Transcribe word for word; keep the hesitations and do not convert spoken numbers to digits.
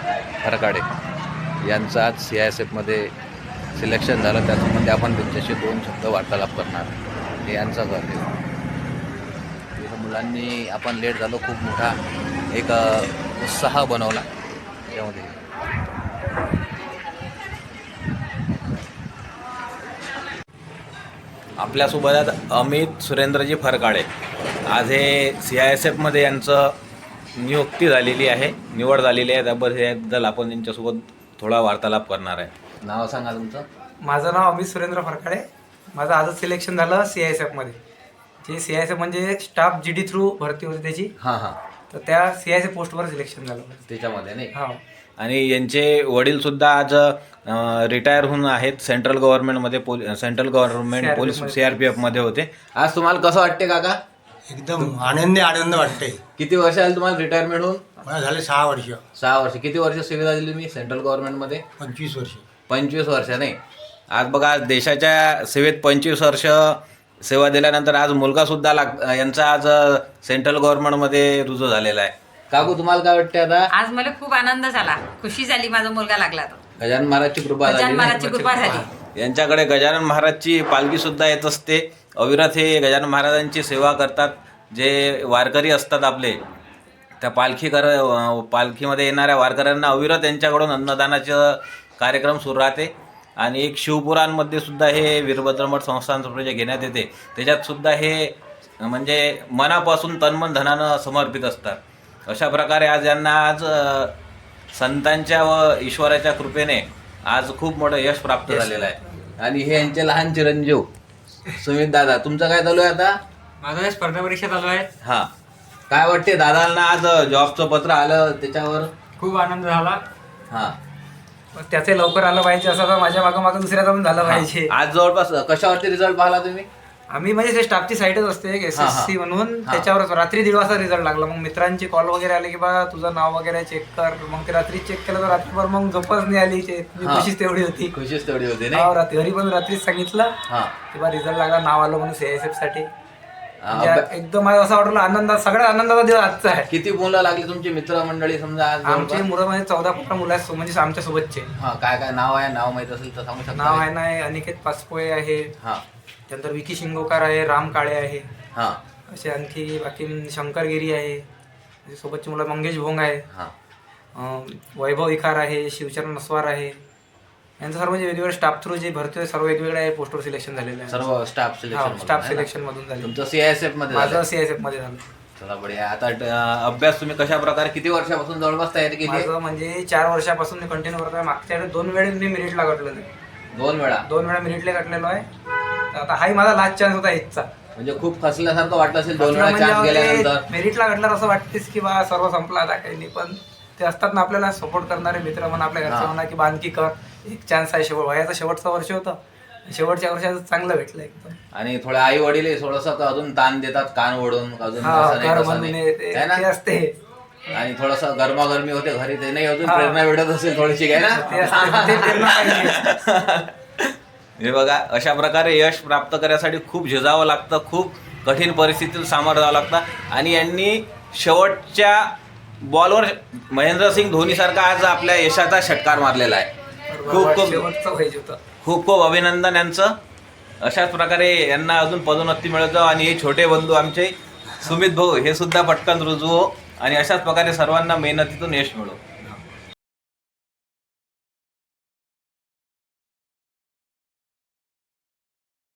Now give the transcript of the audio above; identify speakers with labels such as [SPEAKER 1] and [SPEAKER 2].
[SPEAKER 1] फरकाडे यांचं आज C I S एफमध्ये सिलेक्शन झालं. त्याच्यामध्ये आपण त्यांच्याशी दोन शब्द वार्तालाप करणार. हे यांचा घर आहे. मुलांनी आपण लेट झालो, खूप मोठा एक उत्साह बनवला त्यामध्ये. आपल्यासोबत अमित सुरेंद्रजी फरकाडे. आज हे सी आय एस एफमध्ये यांचं नियुक्ती झालेली आहे, निवड झालेली आहे. त्याबद्दल आपण त्यांच्यासोबत थोडा वार्तालाप करणार आहे. नाव सांगा तुमचं.
[SPEAKER 2] माझं नाव अमित सुरेंद्र फरकाडे. माझं आजच सिलेक्शन झालं सी आय एस एफमध्ये. जे सी आय एस एफ म्हणजे स्टाफ जी डी थ्रू भरती होती त्याची.
[SPEAKER 1] हां हां.
[SPEAKER 2] तर त्या सी आय एस एफ पोस्टवर सिलेक्शन झालं
[SPEAKER 1] त्याच्यामध्ये नाही.
[SPEAKER 2] हा.
[SPEAKER 1] आणि यांचे वडीलसुद्धा आज रिटायर होऊन आहेत. सेंट्रल गव्हर्नमेंटमध्ये पोल central government police C R P एफमध्ये होते. आज तुम्हाला कसं वाटते काका?
[SPEAKER 3] एकदम आनंदी आनंद वाटते.
[SPEAKER 1] किती वर्ष आले तुम्हाला रिटायरमेंट होऊन?
[SPEAKER 3] मला झाले सहा वर्ष.
[SPEAKER 1] सहा वर्ष. किती वर्ष सेवा दिली तुम्ही सेंट्रल गव्हर्नमेंटमध्ये?
[SPEAKER 3] पंचवीस वर्ष.
[SPEAKER 1] पंचवीस वर्ष नाही. आज बघा देशाच्या सेवेत पंचवीस वर्ष सेवा दिल्यानंतर आज मुलगासुद्धा लाग यांचा आज सेंट्रल गव्हर्नमेंटमध्ये रुजू झालेला आहे. काकू तुम्हाला काय वाटते आता?
[SPEAKER 4] आज मला खूप आनंद झाला, खुशी झाली. माझा मुलगा लागला तो.
[SPEAKER 1] गजानन महाराजची कृपा
[SPEAKER 4] गजानन
[SPEAKER 1] झाली.
[SPEAKER 4] महाराजची कृपा झाली.
[SPEAKER 1] यांच्याकडे गजानन महाराजची पालखी सुद्धा येत असते. अविरत हे गजानन महाराजांची सेवा करतात. जे वारकरी असतात आपले, त्या पालखी कर पालखीमध्ये येणाऱ्या वारकऱ्यांना अविरत यांच्याकडून अन्नदानाचं कार्यक्रम सुरू राहते. आणि एक शिवपुराणमध्ये सुद्धा हे वीरभद्रमठ संस्थान जे घेण्यात येते त्याच्यात सुद्धा हे म्हणजे मनापासून तन्मन धनानं समर्पित असतात. अशा प्रकारे आज यांना आज संतांच्या व ईश्वराच्या कृपेने आज खूप मोठं यश प्राप्त झालेलं आहे. आणि हे यांचे लहान चिरंजीव सुमित दादा. तुमचं काय चालू आहे आता?
[SPEAKER 2] माझं स्पर्धा परीक्षा चालू आहे.
[SPEAKER 1] हां. काय वाटते दादांना आज जॉबचं पत्र आलं त्याच्यावर?
[SPEAKER 2] खूप आनंद झाला.
[SPEAKER 1] हां.
[SPEAKER 2] त्याचे लवकर आलं पाहिजे असं तर माझ्या मागं मागं दुसऱ्याचा पण झालं पाहिजे.
[SPEAKER 1] आज जवळपास कशावरती रिझल्ट पाहिला तुम्ही?
[SPEAKER 2] आम्ही म्हणजे ते स्टाफची साईटच असते एस एस सी म्हणून, त्याच्यावरच रात्री दीड वाजता रिझल्ट लागला. मग मित्रांची कॉल वगैरे आले की बा तुझं नाव वगैरे चेक कर. मग ते रात्री चेक केलं तर रात्रीभर मग झोपच नाही आली. खुशीच तेवढी होती.
[SPEAKER 1] खुशीच तेवढी होती
[SPEAKER 2] नाही. रात्री घरी पण रात्रीच सांगितलं की बा रिझल्ट लागला, नाव आलं म्हणून सीआयएसएफ साठी. एकदम असं वाटलं आनंदात, सगळ्या आनंदाचा दिवस आजचा आहे.
[SPEAKER 1] किती मुलं लागली तुमची मित्रमंडळी समजा? आज
[SPEAKER 2] आमची मुलं म्हणजे चौदा पंधरा मुलं आहेत म्हणजे आमच्या सोबतचे.
[SPEAKER 1] हा. काय काय नाव आहे? नाव माहित असेल तर सांगू शकता?
[SPEAKER 2] नाव आहे ना अनिकेत पाचपोळे आहे.
[SPEAKER 1] हा.
[SPEAKER 2] त्यानंतर विकी शिंगोकार आहे, राम काळे आहे.
[SPEAKER 1] हा.
[SPEAKER 2] असे आणखी बाकी शंकरगिरी आहे. सोबतची मुलं मंगेश भोंग आहे.
[SPEAKER 1] हा.
[SPEAKER 2] वैभव इखार आहे, शिवचरण नसवार आहे. यांचं सर्व जे वेगवेगळे स्टाफ थ्रू जे भरती सर्व वेगवेगळ्या पोस्टवर सिलेक्शन झालेलं आहे.
[SPEAKER 1] सर्व स्टाफ सिलेक्शन
[SPEAKER 2] स्टाफ सिलेक्शन मधून झाले.
[SPEAKER 1] तुमचं सीआयएसएफ मध्ये?
[SPEAKER 2] माझं सीआयएसएफ मध्ये झालं.
[SPEAKER 1] चला बढिया. आता अभ्यास तुम्ही कशा प्रकारे किती वर्षापासून जवळपास तयारी केली?
[SPEAKER 2] माझं म्हणजे चार वर्षापासून मी कंटिन्यू करतोय. मागच्या दोन वेळेस मी मेरिटला कटलो नाही.
[SPEAKER 1] दोन वेळा? दोन
[SPEAKER 2] वेळा मेरिटला कटलेलो आहे. आता हाही माझा लास्ट चान्स होता हिचा.
[SPEAKER 1] म्हणजे खूप खचल्यासारखं वाटलं असेल दोन वेळा चान्स गेल्यानंतर?
[SPEAKER 2] मेरिटला कटल्यावर असं वाटतेस की बा सर्व संपला आता काही नाही, पण ते असतात ना आपल्याला सपोर्ट करणारे मित्र म्हणा, आपल्या घरचे म्हणा की बांधकी कर, एक चान्स आहे. शेवट वयाचं शेवटचं वर्ष होतं, शेवटच्या वर्षात चांगलं भेटलं एकदम.
[SPEAKER 1] आणि थोड्या आई वडील थोडस अजून ताण देतात कान ओढून अजून
[SPEAKER 2] असते.
[SPEAKER 1] आणि थोडस गरमागरमी होते घरी, ते नाही अजून प्रेरणा भेटत असेल थोडीशी काय ना? हे बघा अशा प्रकारे यश प्राप्त करण्यासाठी खूप झिजावं लागतं, खूप कठीण परिस्थितीत सामोरं जावं लागतं. आणि यांनी शेवटच्या बॉलवर महेंद्रसिंग धोनी सारखा आज आपल्या यशाचा षटकार मारलेला आहे. खूप खूप खूप खूप अभिनंदन यांचं. अशाच प्रकारे यांना अजून पदोन्नती मिळत जावं. आणि हे छोटे बंधू आमचे सुमित भाऊ हे सुद्धा पटकन रुजू हो. आणि अशाच प्रकारे सर्वांना मेहनतीतून यश मिळो.